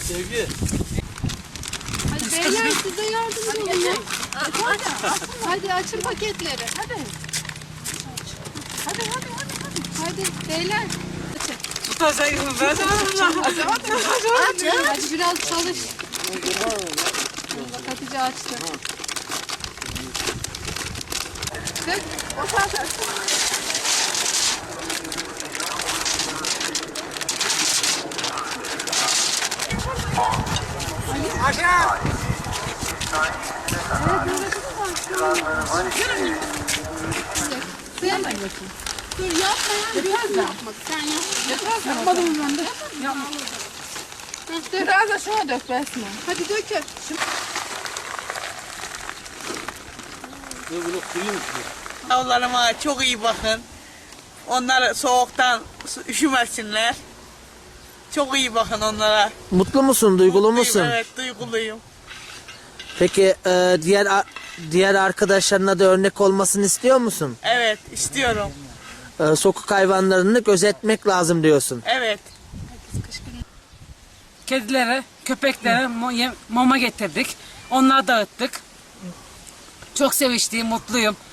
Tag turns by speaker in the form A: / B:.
A: Sevgi.
B: Hadi beyler size yardımcı olun ya. Hadi açın paketleri. Hadi. Hadi beyler.
C: Tutacağım ben sana.
B: Hadi biraz çalış. Hatice açtı. Dök.
C: Aşağı.
B: Sen dur yapma ya. Biraz yapmak. Sen yap. Yapmadım ben de.
D: Biraz da şuna dök Besme.
B: Hadi dökün.
A: Bunu kuruymuş.
C: Yavrularıma çok iyi bakın. Onlar soğuktan üşümesinler. Çok iyi bakın onlara.
E: Mutlu musun, duygulu
C: Mutluyum,
E: musun?
C: Evet, duyguluyum.
E: Peki diğer arkadaşlarına da örnek olmasını istiyor musun?
C: Evet, istiyorum.
E: Sokak hayvanlarını gözetmek lazım diyorsun.
C: Evet.
F: Kedilere, köpeklere mama getirdik. Onları dağıttık. Çok sevinçliyim, mutluyum.